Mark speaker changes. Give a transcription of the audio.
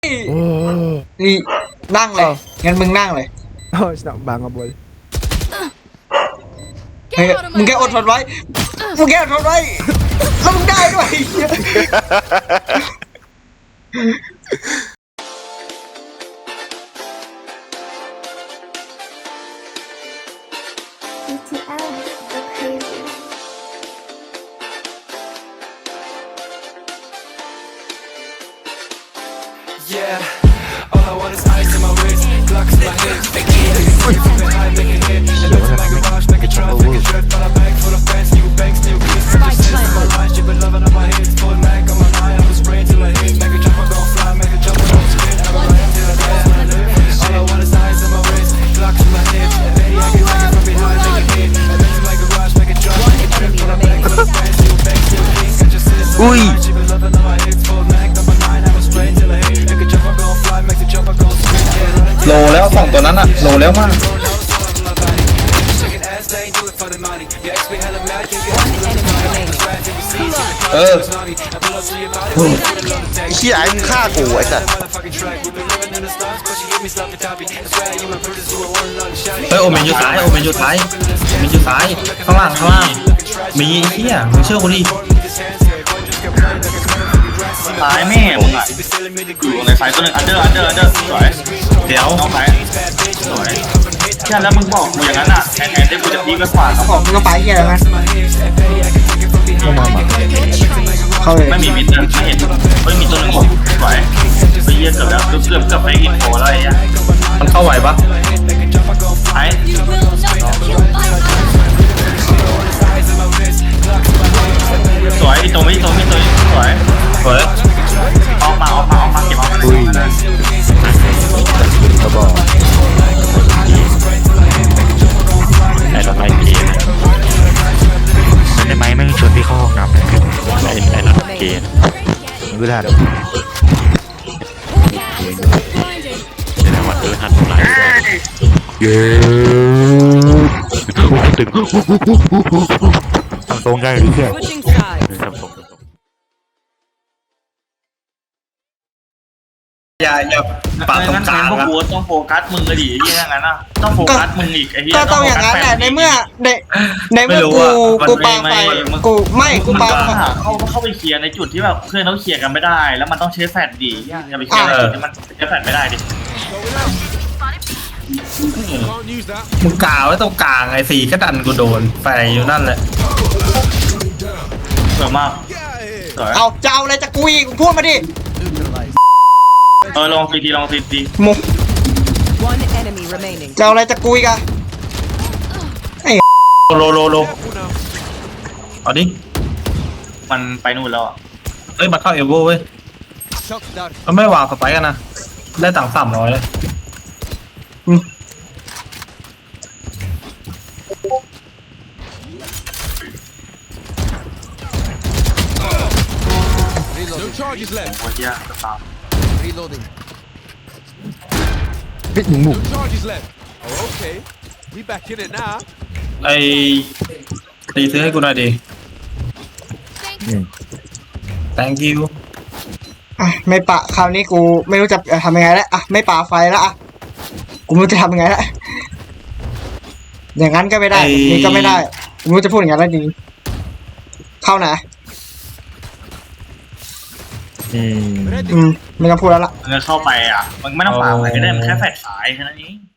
Speaker 1: นี่นั่งเลยงั้นมึงนั่งเลย
Speaker 2: Snap bang boy.
Speaker 1: มึงแค่อดทนไว้มึงแค่อดทนไว้แล้วมึงได้ด้วย
Speaker 3: BTS, go crazy.
Speaker 4: Yeah, all I want is ice in my wrist, Glocks in my hips. Make it high, make it hit. And looks like a rush, make it drop, make it drift. Got a bag full of bands, new banks, new kiss. Just in my line, she been loving on my hits. Full mag on my line, I was spraying till I hit. Make it jump, I gon' fly, make it jump, I gon' spin. I'm alive till I die, when I live. All I want is ice in my wrist, Glocks in my hips. And baby, I can take it from behind, make it hit. And looks like a rush, make it drop, make it drift. Got a bag full of bands, new banks, new kiss. Just in my line, she been loving on my hits. Full mag on my line, I was spraying till I hit. Make it jump, I gon' fly, make it jump, I gon' spin. Yeah, running
Speaker 5: โลแล้วสองตัวนั้นอะโลแล้วมาก เออ
Speaker 6: เฮียไอ้มึงฆ่ากูไอ้สัส
Speaker 5: เฮ้ยโอเมนอยู่ซ้ายโอเมนอยู่ซ้ายโอเมนอยู่ซ้ายข้างล่างข้างล่างมีไอ้เหี้ยมึงเชื่อกูดิซ้ายแม่มึงอะอยู่ในซ้ายตัวหนึ่งอันเดอร์สวยเดี๋ยวน้องซ้ายสวยแค่แล้วมึงบอกกูอย่างนั้นอะแทนที่กูจะพีกไปขวาเขาบอก
Speaker 1: มึงก็ไปเหี้ยแล้วมั้ย เข้าเลย
Speaker 5: ไม่มีมิดนะไม่เห็นเฮ้ยมีตัวหนึ่งสวยไปเยี่ยเกือบแล้วเกือบไปอินโฟแล้วไอ้เหี้ยมันเข้าไหวปะไอ้สวยอีตัวไม่สวยออกมาเก็บออกมา
Speaker 2: ก็บอก
Speaker 7: ไอ้รถไล่เกย์ได้ไหมไม่ชวนพี่เข้าห้องน้ำไอ้รถเกย์
Speaker 2: กูได้
Speaker 7: เดี๋ยววันหัดไล่เย้ตึงทำตรงได้หรือเปล่าทำตรง
Speaker 5: อย่าปาตรงกลางพวกกูต้องโฟกัสมึงเลยดิไอ้เหี้ยงั้นอ่ะต้องโฟกัสมึงอีกไอ้เหี้ย
Speaker 1: ก็ต้องอย่างนั้นแหละในเมื่อกูปาไฟกูปา
Speaker 5: เข้าไปเคลียร์ในจุดที่แบบเพื่อนเขาเคลียร์กันไม่ได้แล้วมันต้องใช้แฟลชดิอย่าไปเคลียร์ในจุดที่มันใช้แฟลชไม่ได้ดิมึงกาวไว้ตรงกลางไอ้สีก็ดันกูโดนไฟอยู่นั่นแหละสวยมาก
Speaker 1: เอาเจ้าอะไรจะกูอีกพูดมาดิ
Speaker 5: ลองซีดี
Speaker 1: มุกเจ้าอะไรจะกูอีกอะไอ้
Speaker 5: โลเอาดิมันไปนู่นแล้วอ่ะเอ้ยมาเข้าเอลโบเว้ยมันไม่วางสไปกันนะได้ตังค์300เลยNo charges left. โอ้ยยากจะตาม
Speaker 2: Reloading. เฮ้ยหมุก
Speaker 4: Charges left. Oh, okay. We back in it now.
Speaker 5: ไอ้ตีซื้อให้กูหน่อยดิ thank you
Speaker 1: อ่ะไม่ปะคราวนี้กูไม่รู้จะทำยังไงแล้วอ่ะไม่ปาไฟแล้วอ่ะกูไม่รู้จะทำยังไงแล้วอย่างนั้นก็ไม่ได้นี่ก็ไม่ได้กูไม่รู้จะพูดอย่างนั้นแล้วจริงเข้านะไม่ต้องพูดแล้วล่ะ
Speaker 5: มันเข้าไปอ่ะมันไม่ต้องปาไปก็ได้มันแค่แฟดสายแค่นั้นเอง